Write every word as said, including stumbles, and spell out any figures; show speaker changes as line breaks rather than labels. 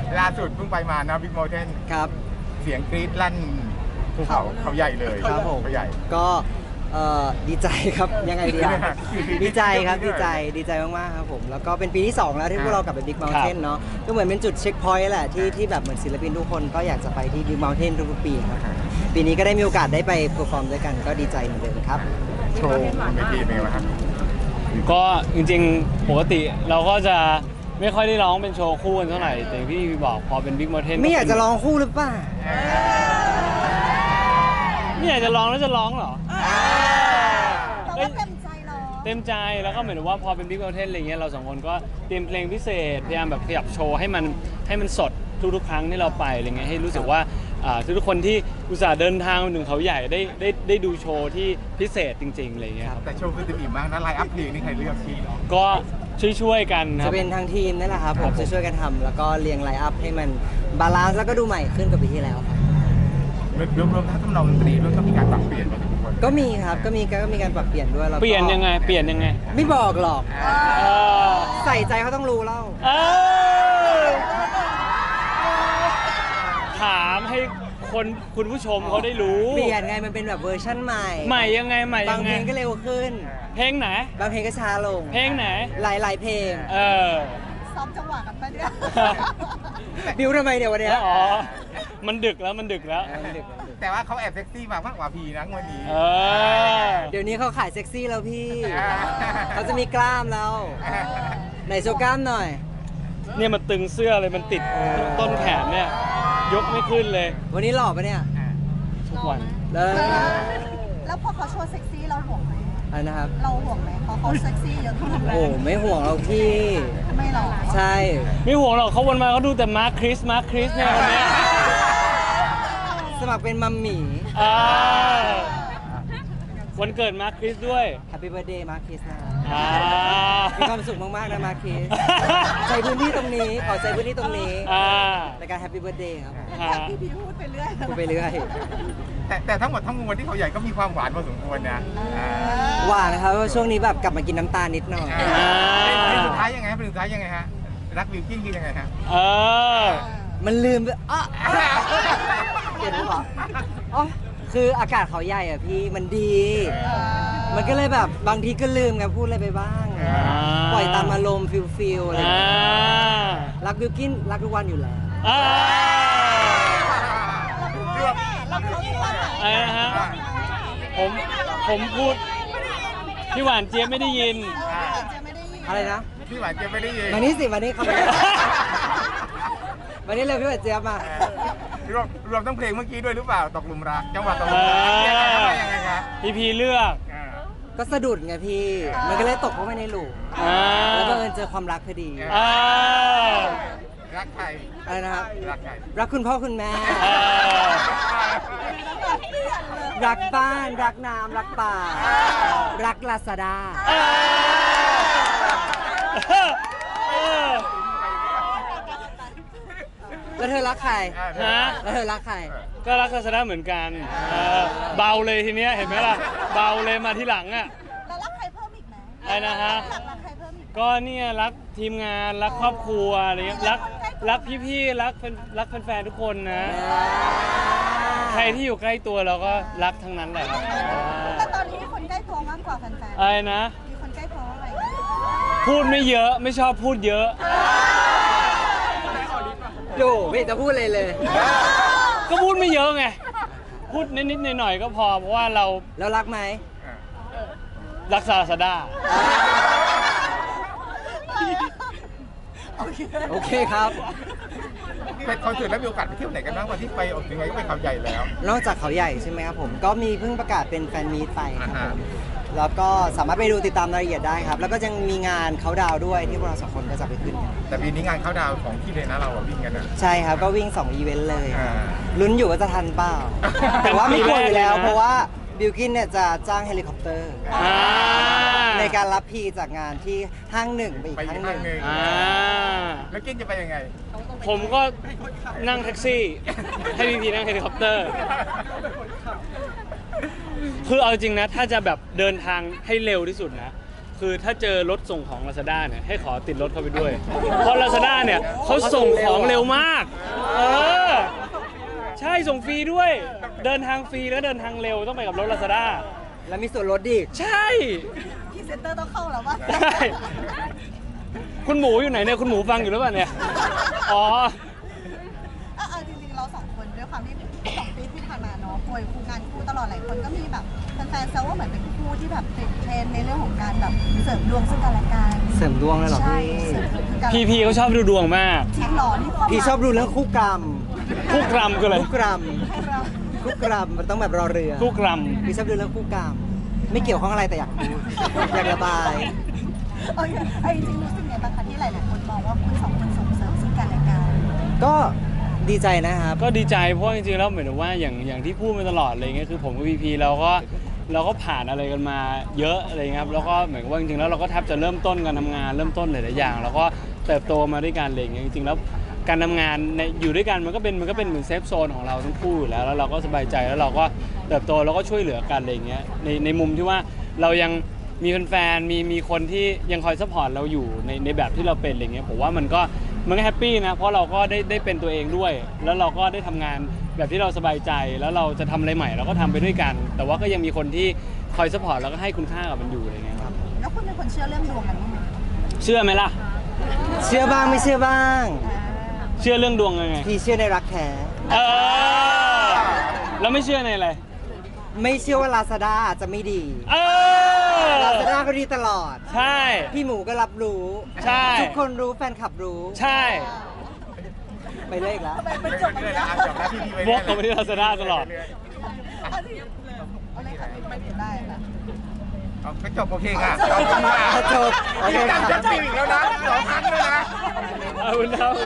ล่าสุดเพิ่งไปมานะบิ๊ก Mountain
ครับ
เสียงกรี๊ดลั่นภูเขาเขาใหญ่เลย
ครับผม
เขาใหญ่
ก็เอ่อดีใจครับยังไงดีอะดีใจครับดีใจดีใจมากๆครับผมแล้วก็เป็นปีที่สองแล้วที่พวกเรากลับไป Big Mountain เนาะก็เหมือนเป็นจุดเช็คพอยต์แหละที่ที่แบบเหมือนศิลปินทุกคนก็อยากจะไปที่ Big Mountain ทุกๆปีครับปีนี้ก็ได้มีโอกาสได้ไปเพอร์ฟอร์มด้วยกันก็ดีใจเหมือนเดิมครับ
โชว์เวทีเป็นไงบ้างครับ
ก็จริงๆปกติเราก็จะไม่ค่อยได้ร้องเป็นโชว์คู่กันเท่าไหร่แต่อย่างที่พี่บอกพอเป็น Big Mountain
ไม่อยากจะร้องคู่หรือเปล่า
ไม่อยากจะร้องแล้วจะร้องเหรอ
เราก็เต็มใจร้อง
เต็มใจแล้วก็เหมือนว่าพอเป็น Big Mountain อะไรเงี้ยเราสองคนก็เตรียมเพลงพิเศษพยายามแบบขยับโชว์ให้มันให้มันสดทุกๆครั้งที่เราไปอะไรเงี้ยให้รู้สึกว่าทุกๆคนที่อุตส่าห์เดินทางมาถึงเขาใหญ่ได้ได้ได้ดูโชว์ที่พิเศษจริงๆอะไรเงี้ยครับ
แต่โชว์คือเต็มอิ่มมากนะไลน์อัพเพลงนี่ใครเลือกที่
ก็ช่วยๆกันครั
จะ
บ
เป็นทางทีมนั่นแหละครับผ
ครั
ม
บผม
จะช่วยกันทำแล้วก็เรียงไลน์อัพให้มันบาลานซ์แล้วก็ดูใหม่ขึ้นกว่าปีที่แล้วครับ
รวมๆทั้งทำนองดนตรีด้วยก็มีการปรับเปลี่ยนมาทุกคน
ก็มีครับก็มีก็มีการปรับเปลี่ยนด้วยแล้วก็
เปลี่ยนยังไงเปลี่ยนยังไง
ไม่บอกหรอก
เออ
ใส่ใจเขาต้องรู้เล่า
เออถามให้คนคุณผู้ชมเขาได้รู้
เปลี่ยนไงมันเป็นแบบเวอร์ชั่นใหม่
ใหม่ยังไงใหม่
บา
ยัง ง
เพ
ไง
ลงก็เร็วขึ้น
เพลงไหน
บางเพลงก็ช้าลง
เพลงไหน
หลายหลายๆเพลง
เออ
ซ้อมจังหวะกันไปเนี่ย
บิวทำไมเนี่ยวันเนี้ย
อ๋อ มันดึกแล้วมันดึกแล้ว
เออมันดึกแล้วมันดึก
แต่ว่าเขาแอบเซ็กซี่มากกว่าพีนะวันนี้
เออ
เดี๋ยวนี้เขาขายเซ็กซี่แล้วพี่
อ่า
เขาจะมีกล้ามแล้วไหนโชว์กล้ามหน่อย
เนี่ยมันตึงเสื้อเลยมันติดต้นแขนเนี่ย ยกไม่ขึ้นเลย
วันนี้หล่อปะเนี่ย
ทุกวัน
เลย
แล้วพอเขาโชว์เซ็กซี่เราห่วงไหม
อะไรนะครับ
เราห่วงไหมเพราะเขาเซ็กซี่เยอะขึ้น
โอ้ไม่ห่วงเราพี่
ไม่หรอก
ใช่
ไม่ห่วงหรอกเขาวนมาเขาดูแต่มาร์คคริสมาร์คคริสเนี่ยคนเนี้ย
สมัครเป็นมัมหมี่
อ่าวันเกิดมาร์คคริสด้วย
Happy Birthday มาร์คิสนะ
อ่า
มีความสุขมากๆนะมาร์คิสใช้พื้นที่ตรงนี้ขอใช้พื้นที่ตรงนี้
อ่า
ในการ Happy Birthday ครับ
ฮะ
พี่พีพูดไปเรื่อย
พูดไปเรื่อย
แต่แต่ทั้งหมดทั้งมวลที่เขาใหญ่ก็มีความหวานพอสมควรนะอ่า
หวานนะครับเพราะช่วงนี้แบบกลับมากินน้ำตาลนิดหน่อย
อ่าเพลงสุดท้ายยังไงฮะเพลงสุดท้ายยังไงฮะรักวิวกิ้งคือยังไงฮะ
เออ
มันลืมไปอ่ะเห็นหรือเปล่าอ๋อคืออากาศเขาใหญ่อ่ะพี่มันดี มันก็เลยแบบบางทีก็ลืมไงพูดอะไรไปบ้าง
อ่า
ปล่อยตามอารมณ์ฟิลฟิลอะไรอย่าง
อ่า
เงี้ยรักบิวกินรักทุกวันอยู่แล้ว
อ่า
เราเขาที่ว่า
อะไรนะฮะ ผมผมพูดพี่หวานเจี๊ยบไม่ได้ยิน
จะไม่ได้ยิน
อะไรนะ
พี่หวานเจี๊ยบไม่ได้ยิน
มานี่สิมานี่เข้ามามานี่เลยพี่หวานเจี๊ยบมา
รวมรวมทั้งเพลงเมื่อกี้ด้วยหรือเปล่าตกหลุมรักจังหวะตกหลุมรักยังไงฮะยังไงครับ
พี่พีเลือก
อ่า
ก็สะดุดไงพี่ มันก็เลยตกเข้าไปในหลุม
อ่า
แล้วบังเอิญเจอความรักพอดี
อ่า
รักใคร
อะไรนะครับ
รักใคร
รักคุณพ่อคุณแม่
อ่า
รักบ้าน รักน้ำรักป่า รักลาซาด้า
อ่าเออ
แล้วเธอรักใคร
ฮะ
แล้วเธอรักใคร
ก็รักศาสนาเหมือนกันเออเบาเลยทีเนี้ยเห็นไหมล่ะ เบาเลยมาที่หลังอ่ะ
แล้วรักใครเพิ่มอีกไหม
อะไรนะฮะ
อยากรักใครเพิ่มอีก
ก็เนี่ยรักทีมงานรักครอบครัวอะไรเงี้ยรักรักพี่ๆรักแฟนรักแฟนๆทุกคนนะ ใครที่อยู่ใกล้ตัวเราก็รักทั้งนั้นแหละครับ
แต่ตอนนี้มีคนใกล้ตัวมากกว่าแฟน
อะไรนะ
ๆมีคนใกล้ตัวอะไร
พูดไม่เยอะไม่ชอบพูดเยอะ
ดูไม่จะพูดเลยเลย
ก็พูดไม่เยอะไง พูดนิดๆหน่อยๆก็พอเพราะว่าเรา
แล้วรักไหม
รักศาสดา
โอเคครับ
เป็นคอนเสิร์ตแล้วมีโอกาสไปเที่ยวไหนกันบ้างวันที่ไปออกยังไงก็ไปเขาใหญ่แล้ว
นอกจากเขาใหญ่ใช่ไหมครับผม ก็มีเพิ่งประกาศเป็นแฟนมีตไปครับ
อ่า
ผ
ฮะ
ม แล้วก็สามารถไปดูติดตามรายละเอียดได้ครับ แล้วก็ยังมีงานเขาดาวน์ด้วยที่พวกเราสองคนก็จะไปขึ้นกัน
แต่ปีนี้งานเข้าดาวน์ของที่เลยนะเราอะวิ่งกันนะ
ใช่ครับ ก็วิ่งสองอีเวนต์เลย
อ่า
ลุ้นอยู่ว่าจะทันเปล่า แต่ว่าไม่กลัวอยู่แล้ว
ปีแรกเลยนะ
เพราะว่าบิลกินเนี่ยจะจ้างเฮลิคอปเตอร์
อ่า
ในการรับพีจากงานที่ห้างหนึ่งไปอีก
ไปอีก
ห้างห
ห้า
นึ่
ง
ง
หนึ่ง
อ่า
แล้วกินจะไปยังไง
ผมก็นั่งแท็กซี่ ให้พี่พีนั่งเฮลิคอปเตอร์ คือเอาจริงนะ ถ้าจะแบบเดินทางให้เร็วที่สุดนะคือถ้าเจอรถส่งของ Lazada เนี่ยให้ขอติดรถเข้าไปด้วย เพราะ Lazada เนี่ยเขาส่งของเร็วมาก เออ ใช่ส่งฟรีด้วย เดินทางฟรีแล้วเดินทางเร็วต้องไปกับรถ Lazada
แล้วมีส่วนลดดิ
ใช่
พรีเซนเตอร์ต้องเข้าแล้วว่า
ใช่คุณหมูอยู่ไหนเนี่ยคุณหมูฟังอยู่หรือเปล่าเนี่ยอ๋อ
เออจริงๆเราสองคนด้วยความที่สองปีที่ผ่านมาเนาะป่วยคู่งานคู่ตลอดหลายคนก็มีแบบแฟนๆแซวว่าเหมือนเป็นคู่ที่แบบติดเทรนด์ในเรื่องของการแบบเสริมดวงซึ่งกันและกัน
เสริมดวงเลยเหรอ
ใช่
พี่
เสริมดวงซึ่งกันและ
พี
กัน
พีเขาชอบดูดวงมาก
จริงเหรอนี่
พี่ชอบดูเรื่องคู่กรรม
คู่กรรมคืออะไร
คู่กรรม
ให้เรา
คู่กรรมมันต้องแบบรอเรือ
คู่กรรม
พี่ชอบดูเรื่องคู่กรรมไม่เกี่ยวข้องอะไรแต่อยากพูดอยากระบาย
โอเคไอ้จริงๆรู้สึกไงบ้างคะที่หลายๆคนมองว่าคุณสองคนส่งเสริมซึ่งกันและกัน
ก็ดีใจนะครับ
ก็ดีใจเพราะจริงๆแล้วเหมือนว่าอย่างอย่างที่พูดมาตลอดอะไรเงี้ยคือผมกับพีพีเราก็เราก็ผ่านอะไรกันมาเยอะอะไรเงี้ยครับแล้วก็เหมือนกับว่าจริงๆแล้วเราก็แทบจะเริ่มต้นการทำงานเริ่มต้นหลายๆอย่างแล้วก็เติบโตมาด้วยกันอะไรเงี้ยจริงๆแล้วการทำงานในอยู่ด้วยกันมันก็เป็นมันก็เป็นเหมือนเซฟโซนของเราทั้งคู่อยู่แล้วแล้วเราก็สบายใจแล้วเราก็เติบโตแล้วก็ช่วยเหลือกันอะไรเงี้ยในในมุมที่ว่าเรายังมีแฟนๆมีมีคนที่ยังคอยซัพพอร์ตเราอยู่ในในแบบที่เราเป็นอะไรเงี้ยผมว่ามันก็มันก็แฮปปี้นะเพราะเราก็ได้ได้เป็นตัวเองด้วย แล้วเราก็ได้ทำงานแบบที่เราสบายใจแล้วเราจะทำอะไรใหม่เราก็ทำไปด้วยกัน แต่ว่าก็ยังมีคนที่คอยซัพพอร์ตแล้วก็ให้คุณค่ากับมันอยู่อะไรเงี้ยครับ
แล้วคุณเป็นคนเชื่อเรื่องดวงกันไหม
เชื่อไหมล่ะ
เชื่อบ้างไม่เชื่อบ้าง
เชื่อเรื่องดวงยังไง
พี่เชื่อในรักแท้
เออแล้วไม่เชื่อในอะไร
ไม่เชื่อว่า Lazada จะไม่ดี
เออ
Lazada ก็ดีตลอด
ใช่
พี่หมูก็รับรู้
ใช่
ทุกคนรู้แฟนคลับรู้
ใช่
ไปเลยอีกแล้ว
ทำไมเป็นจบกัน
เลย
เย
นะ
อะ
จบแล้วพี่พีไป
บล็อกเขาไม่ได้ลาซาด้าตลอด
เอาที่เอาเลยค่ะไม่ผิดได้ค่ะ
ก็จบโอเคค่ะขอบคุณค่ะ
จบโอเคครับ
จะจีบอีกแล้วนะสองครั้งเลยนะ
เอาคุณครับ